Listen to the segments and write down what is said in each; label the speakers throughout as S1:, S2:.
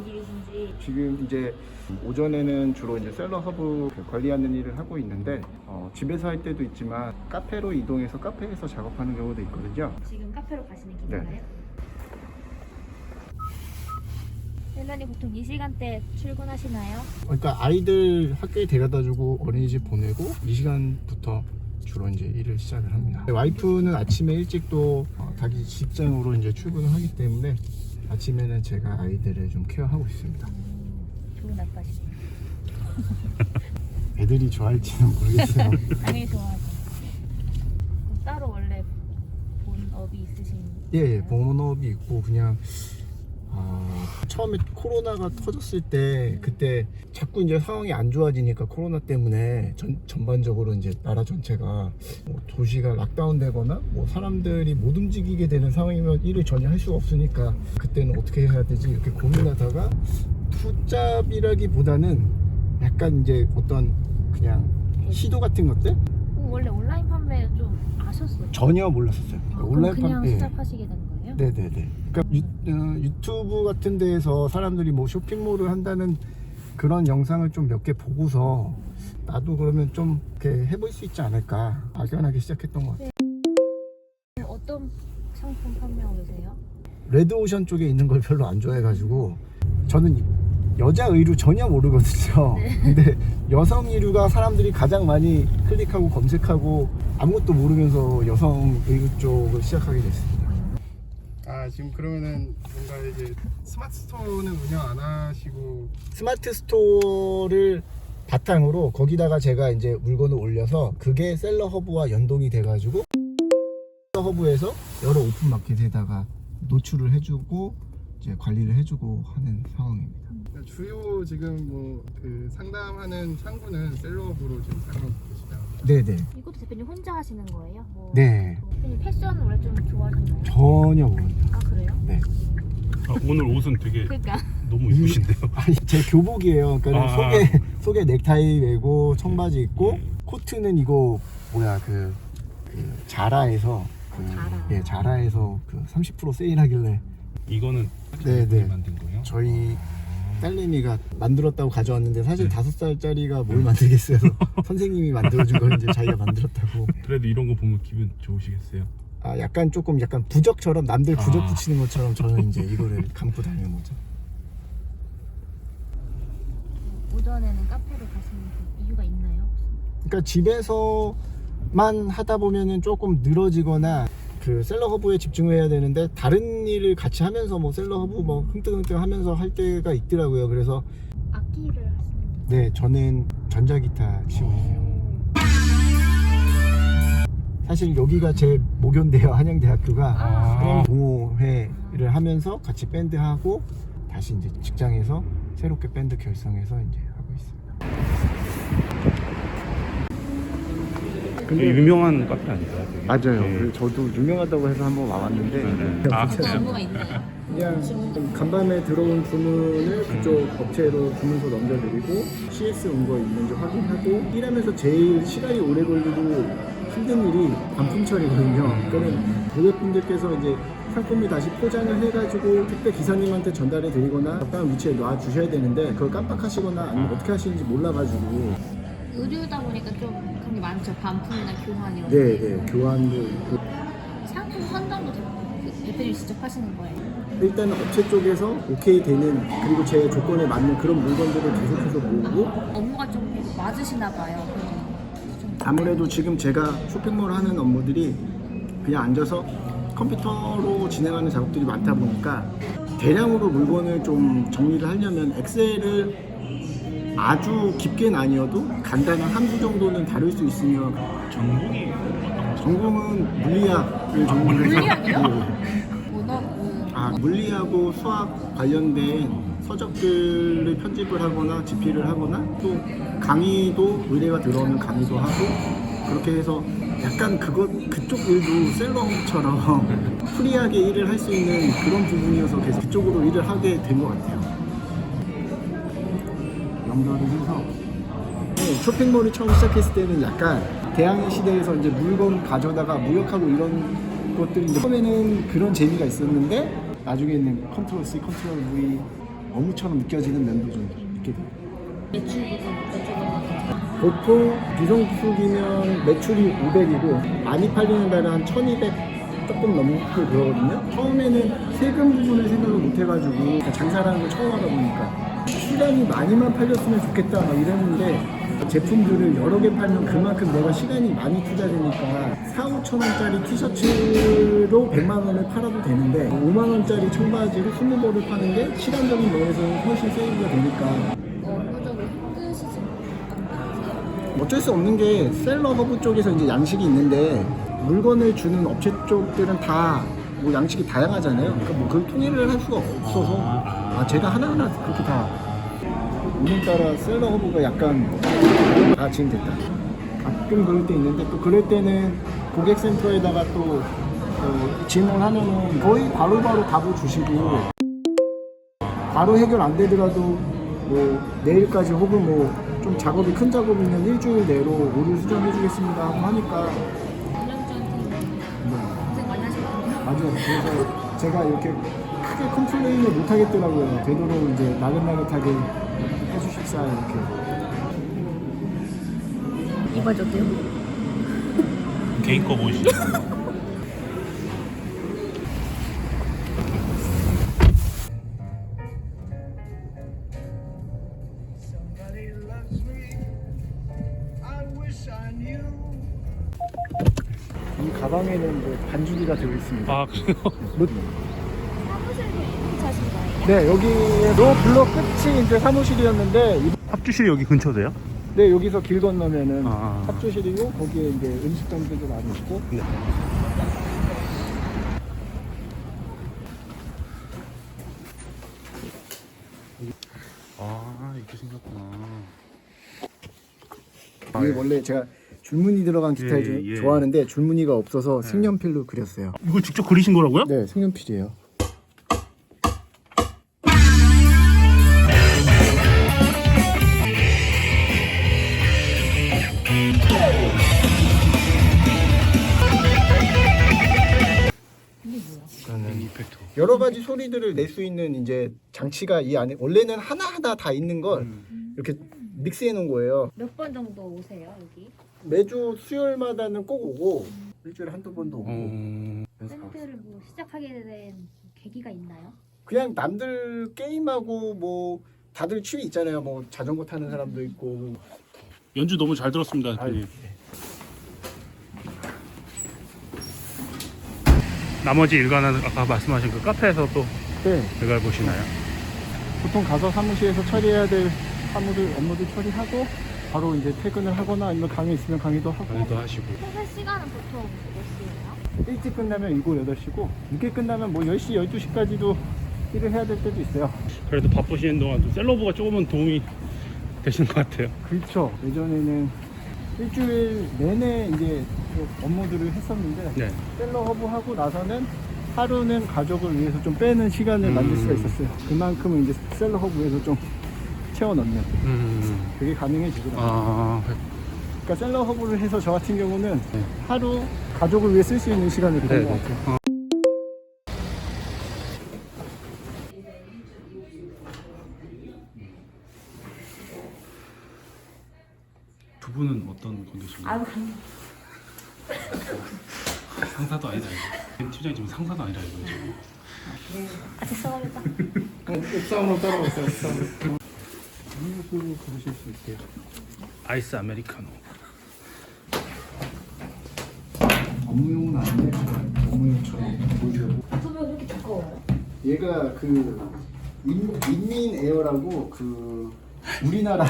S1: 일이신지.
S2: 지금 이제 오전에는 주로 이제 셀러 허브 관리하는 일을 하고 있는데 집에서 할 때도 있지만 카페로 이동해서 카페에서 작업하는 경우도 있거든요.
S1: 지금 카페로 가시는 길인가요?
S2: 네.
S1: 셀러님 보통 이 시간대 출근하시나요?
S3: 그러니까 아이들 학교에 데려다주고 어린이집 보내고 이 시간부터 주로 이제 일을 시작을 합니다. 와이프는 아침에 일찍 또 자기 직장으로 이제 출근을 하기 때문에 아침에는 제가 아이들을 좀 케어하고 있습니다.
S1: 좋은 아빠시네요.
S3: 애들이 좋아할지는 모르겠어요.
S1: 당연히 좋아하죠. 그럼 따로 원래 본업이 있으신?
S3: 예, 본업이 있고 그냥 처음에 코로나가 터졌을 때 그때 자꾸 이제 상황이 안 좋아지니까 코로나 때문에 전반적으로 이제 나라 전체가 뭐 도시가 락다운되거나 뭐 사람들이 못 움직이게 되는 상황이면 일을 전혀 할 수가 없으니까 그때는 어떻게 해야 되지 이렇게 고민하다가 투잡이라기보다는 약간 이제 어떤 그냥 시도 같은 것들
S1: 원래 온라인 판매 좀 아셨어요?
S3: 전혀 몰랐었어요.
S1: 그럼 그냥 시작하시게 된 거예요?
S3: 네네네. 그러니까 유튜브 같은 데에서 사람들이 뭐 쇼핑몰을 한다는 그런 영상을 좀 몇 개 보고서 나도 그러면 좀 이렇게 해볼 수 있지 않을까 막연하게 시작했던 것 같아요.
S1: 어떤 상품 판매하고 계세요?
S3: 레드오션 쪽에 있는 걸 별로 안 좋아해가지고 저는 여자 의류 전혀 모르거든요. 근데 여성 의류가 사람들이 가장 많이 클릭하고 검색하고 아무것도 모르면서 여성 의류 쪽을 시작하게 됐습니다. 지금 그러면은 뭔가 이제 스마트 스토어는 운영 안 하시고 스마트 스토어를 바탕으로 거기다가 제가 이제 물건을 올려서 그게 셀러 허브와 연동이 돼가지고 셀러 허브에서 여러 오픈 마켓에다가 노출을 해주고 이제 관리를 해주고 하는 상황입니다.
S4: 주요 지금 뭐 그 상담하는 창구는 셀러업으로 지금 사용하고 계시나요?
S3: 네네.
S1: 이것도 대표님 혼자 하시는 거예요?
S3: 네.
S1: 대표님 패션 원래 좀 좋아하셨나요?
S3: 전혀 모릅니다.
S1: 아 그래요?
S3: 네.
S5: 오늘 옷은 되게
S1: 그러니까
S5: 너무 이쁘신데요.
S3: 아니 제 교복이에요. 그러니까 속에 넥타이 메고 청바지 입고
S5: 네.
S3: 코트는 이거 뭐야 그 자라에서
S1: 자라.
S3: 예 자라에서 그 30% 세일하길래
S5: 이거는
S3: 네네.
S5: 만든 거예요?
S3: 저희 딸내미가 만들었다고 가져왔는데 사실 5살짜리가 뭘 만들겠어요. 선생님이 만들어준 걸 이제 자기가 만들었다고.
S5: 그래도 이런 거 보면 기분 좋으시겠어요?
S3: 약간 조금 약간 부적처럼 남들 부적 붙이는 것처럼 저는 이제 이거를 감고 다니는 거죠.
S1: 오전에는 카페로 가시는 그 이유가 있나요?
S3: 그러니까 집에서만 하다 보면은 조금 늘어지거나 그 셀러 허브에 집중을 해야 되는데 다른 일을 같이 하면서 뭐 셀러 허브 뭐 흥뜨흥뜨 하면서 할 때가 있더라고요. 그래서
S1: 악기를 하시는
S3: 네 저는 전자기타 치고 있어요. 사실 여기가 제 모교인데요. 한양대학교가 동호회를 하면서 같이 밴드하고 다시 이제 직장에서 새롭게 밴드 결성해서 이제 하고 있습니다.
S5: 근데 유명한 카페 아닌가요? 되게?
S2: 맞아요.
S5: 네.
S2: 그래서 저도 유명하다고 해서 한번 와봤는데
S1: 어떤 업무가 있나요?
S2: 그냥 좀 간밤에 들어온 주문을 그쪽 업체로 주문서 넘겨드리고 CS 온 거 있는지 확인하고 일하면서 제일 시간이 오래 걸리고 힘든 일이 반품 처리거든요. 그러니까 고객분들께서 이제 상품을 다시 포장을 해가지고 택배 기사님한테 전달해 드리거나 적당한 위치에 놔 주셔야 되는데 그걸 깜빡하시거나 아니면 어떻게 하시는지 몰라가지고
S1: 의류다 보니까 좀 그런 게 많죠. 반품이나 교환 이런
S2: 네 교환도 있고
S1: 상품 선정도 대표님이 직접 하시는 거예요?
S2: 일단은 업체 쪽에서 오케이 되는 그리고 제 조건에 맞는 그런 물건들을 계속해서 모으고
S1: 업무가 좀 맞으시나 봐요.
S2: 아무래도 지금 제가 쇼핑몰 하는 업무들이 그냥 앉아서 컴퓨터로 진행하는 작업들이 많다 보니까 대량으로 물건을 좀 정리를 하려면 엑셀을 아주 깊게는 아니어도 간단한 함수 정도는 다룰 수 있으면
S5: 전공이 어떤 거죠?
S2: 전공은 물리학을 전공을 해서
S1: 문어
S2: 물리하고 수학 관련된 서적들을 편집을 하거나 집필을 하거나 또 강의도 의뢰가 들어오면 강의도 하고 그렇게 해서 약간 그쪽 일도 셀러처럼 프리하게 일을 할 수 있는 그런 부분이어서 계속 그쪽으로 일을 하게 된 것 같아요. 연결을 해서 쇼핑몰이 처음 시작했을 때는 약간 대항해 시대에서 이제 물건 가져다가 무역하고 이런 것들이 처음에는 그런 재미가 있었는데 나중에는 컨트롤 C, 컨트롤 V 어묵처럼 느껴지는 면도 좀 있게 돼요.
S1: 매출부터 여쭤보면
S2: 보통 비성수기면 매출이 500이고 많이 팔리는 달은 한 1200 조금 넘고 그러거든요. 처음에는 세금 부분을 생각을 못 해가지고 장사라는 걸 처음 하다 보니까 시간이 많이만 팔렸으면 좋겠다 막 이랬는데 제품들을 여러 개 팔면 그만큼 내가 시간이 많이 투자되니까 4-5천 원짜리 티셔츠로 100만 원을 팔아도 되는데 5만 원짜리 청바지로 20벌을 파는 게 시간적인 면에서는 훨씬 세이브가 되니까
S1: 업무적으로 힘드시지 않으세요?
S2: 어쩔 수 없는 게 셀러 허브 쪽에서 이제 양식이 있는데 물건을 주는 업체 쪽들은 다 뭐 양식이 다양하잖아요. 그러니까 뭐 그걸 통일을 할 수가 없어서 제가 하나하나 그렇게 다 오늘따라 셀러 허브가 약간 지금 됐다. 가끔 그럴 때 있는데 또 그럴 때는 고객센터에다가 또 질문하면은 거의 바로바로 답을 주시고 바로 해결 안 되더라도 뭐 내일까지 혹은 뭐 좀 작업이 큰 작업이면 일주일 내로 오류 수정해 주겠습니다 하고 하니까
S1: 고생 많이 하셨거든요.
S2: 맞아요. 그래서 제가 이렇게 크게 컴플레인을 못 하겠더라고요. 되도록 이제 나긋나긋하게 해주십사 이렇게.
S1: 이 바지 어때요?
S5: 개인 거 보이시죠?
S2: 이 가방에는 뭐 반죽이가 들어있습니다.
S5: 아 그래요?
S1: 사무실도 차신 거예요?
S2: 네, 여기로 블록 끝이 이제 사무실이었는데
S5: 합주실이 여기 근처세요?
S2: 네, 여기서 길 건너면은
S5: 아.
S2: 합주실이고 거기에 이제 음식점들도 많이 있고
S5: 네. 아 이렇게 생겼구나.
S2: 이게 원래 제가 줄무늬 들어간 기타를 좀
S5: 예.
S2: 좋아하는데 줄무늬가 없어서 색연필로 그렸어요.
S5: 이거 직접 그리신 거라고요?
S2: 네, 색연필이에요.
S5: 저는 이펙터.
S2: 여러 가지 소리들을 낼 수 있는 이제 장치가 이 안에 원래는 하나하나 다 있는 걸 이렇게 믹스해 놓은 거예요.
S1: 몇 번 정도 오세요 여기?
S2: 매주 수요일마다는 꼭 오고 일주일에 한두 번도 오고 그래서
S1: 밴드를 뭐 시작하게 된 계기가 있나요?
S2: 그냥 남들 게임하고 뭐 다들 취미 있잖아요. 뭐 자전거 타는 사람도 있고
S5: 연주 너무 잘 들었습니다.
S2: 아유,
S5: 나머지 일과는 아까 말씀하신 그 카페에서 또
S2: 네,
S5: 일과를 보시나요?
S2: 보통 가서 사무실에서 처리해야 될 업무들 처리하고 바로 이제 퇴근을 하거나 아니면 강의 있으면 강의도 하고
S5: 강의도 하시고.
S1: 퇴근 시간은 보통 몇 시예요?
S2: 일찍 끝나면 7, 8시고 늦게 끝나면 뭐 10시, 12시까지도 일을 해야 될 때도 있어요.
S5: 그래도 바쁘시는 동안 좀 셀러브가 조금은 도움이 되시는 것 같아요.
S2: 그렇죠. 예전에는 일주일 내내 이제 그 업무들을 했었는데
S5: 네.
S2: 셀러 허브 하고 나서는 하루는 가족을 위해서 좀 빼는 시간을 만들 수가 있었어요. 그만큼은 이제 셀러 허브에서 좀 채워 넣는 그게 가능해지더라고요.
S5: 아,
S2: 그러니까 셀러 허브를 해서 저 같은 경우는
S5: 네.
S2: 하루 가족을 위해 쓸 수 있는 시간을 가진
S5: 네,
S2: 것
S5: 네.
S2: 같아요.
S5: 두 분은 어떤 관계신가요?
S1: 아유
S5: 상사도 아니다 이거. 팀장님 지금 상사도 아니라 이거 지금.
S1: 죄송합니다.
S2: 옥상으로 따라왔어요. 옥상으로. 음료수 부르실 수 있게요.
S5: 아이스 아메리카노.
S2: 업무용은 아닌데 업무용처럼 보이려고.
S1: 소변 왜 이렇게 두꺼워요?
S2: 얘가 그 인민 에어라고 그 우리나라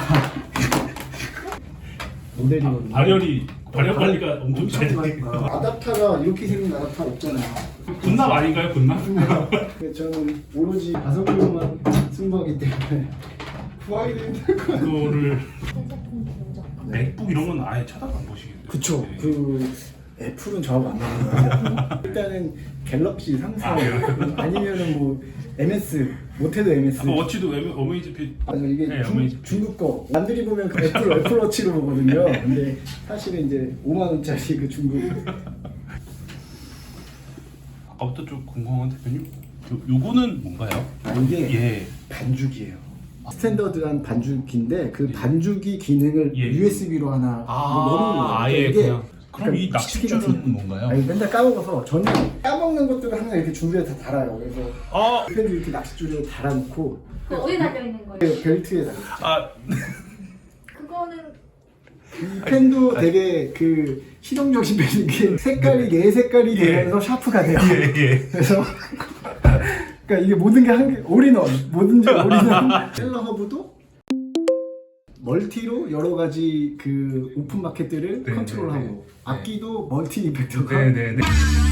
S2: 모델이거든요.
S5: 발열 관리가 엄청 잘
S2: 엄청
S5: 돼.
S2: 많이 아답타가 이렇게 생긴 아답타 없잖아요.
S5: 군납 아닌가요, 군납?
S2: 그래서 저는 오로지 가성비로만 승부하기 때문에 구하기도 힘들 것 같아요.
S5: 그거를
S1: 새 제품 먼저.
S5: 맥북 이런 건 아예 쳐다도 안 보시겠네요.
S2: 그쵸.
S5: 네.
S2: 그 애플은 저하고 안 맞는 것 같아요. 일단은 갤럭시 상사 아니면은 뭐 MS 못해도 MS.
S5: 아까 워치도 어메이즈핏.
S2: 맞아 이게
S5: 네, 어메이징.
S2: 중국 거 남들이 보면 그 애플워치로 보거든요. 근데 사실은 이제 5만 원짜리 그 중국.
S5: 아까부터 좀 궁금한 대표님
S6: 요거는 뭔가요?
S3: 아, 이게
S6: 예.
S3: 반죽이에요. 스탠더드한 반죽인데 그 반죽이 기능을
S6: 예.
S3: USB로 하나 넣는 거예요.
S6: 아예
S3: 이게
S6: 그냥. 그럼 이 낚싯줄은 뭔가요?
S3: 아니, 맨날 까먹어서 저는 까먹는 것들을 항상 이렇게 주변에 다 달아요. 그래서
S6: 아,
S3: 펜도 이렇게 낚싯줄에 달아놓고
S1: 그 어디 달려 있는 거예요?
S3: 벨트에 달아요.
S6: 아,
S1: 그거는
S3: 이 펜도 되게 그 실용적인 펜인 게 색깔이 네 색깔이 되면서 샤프가 돼요. 그래서 그러니까 이게 모든 게 한 개 올인원 뭐든지 올인원. 셀러 허브도 멀티로 여러 가지 그 오픈 마켓들을
S6: 네,
S3: 컨트롤하고
S6: 네, 네.
S3: 악기도 멀티 이펙터가
S6: 네네네.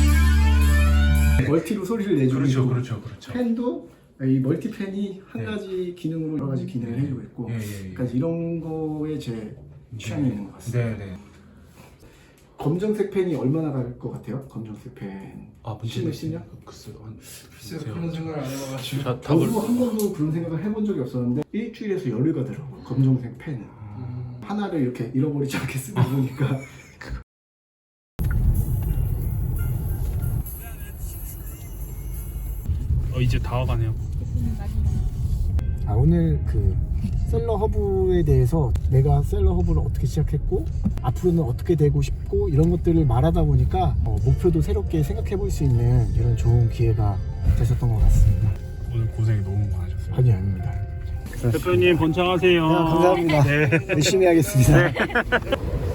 S3: 멀티로 소리를 내주고 있고
S6: 그렇죠.
S3: 펜도 이 멀티 펜이 한
S6: 네.
S3: 가지 기능으로 여러 가지 기능을 해주고 있고
S6: 예.
S3: 그러니까 이런 거에 제 취향이 있는 것 같습니다.
S6: 네네.
S3: 검정색 펜이 얼마나 갈 것 같아요? 검정색 펜.
S6: 아,
S3: 10년?
S6: 글쎄요.
S4: 글쎄요, 그런 생각을 안 해봐가지고.
S6: 자,
S3: 저도 한 번도 그런 생각을 해본 적이 없었는데 일주일에서 열흘 가더라고요. 검정색 펜. 하나를 이렇게 잃어버리지 않게 쓰다 보니까
S5: 이제 다 와가네요.
S3: 오늘 그 셀러 허브에 대해서 내가 셀러 허브를 어떻게 시작했고 앞으로는 어떻게 되고 싶고 이런 것들을 말하다 보니까 목표도 새롭게 생각해 볼 수 있는 이런 좋은 기회가 되셨던 것 같습니다.
S5: 오늘 고생 너무 많으셨어요.
S3: 아닙니다.
S5: 대표님 번창하세요.
S3: 감사합니다.
S5: 네.
S3: 열심히 하겠습니다.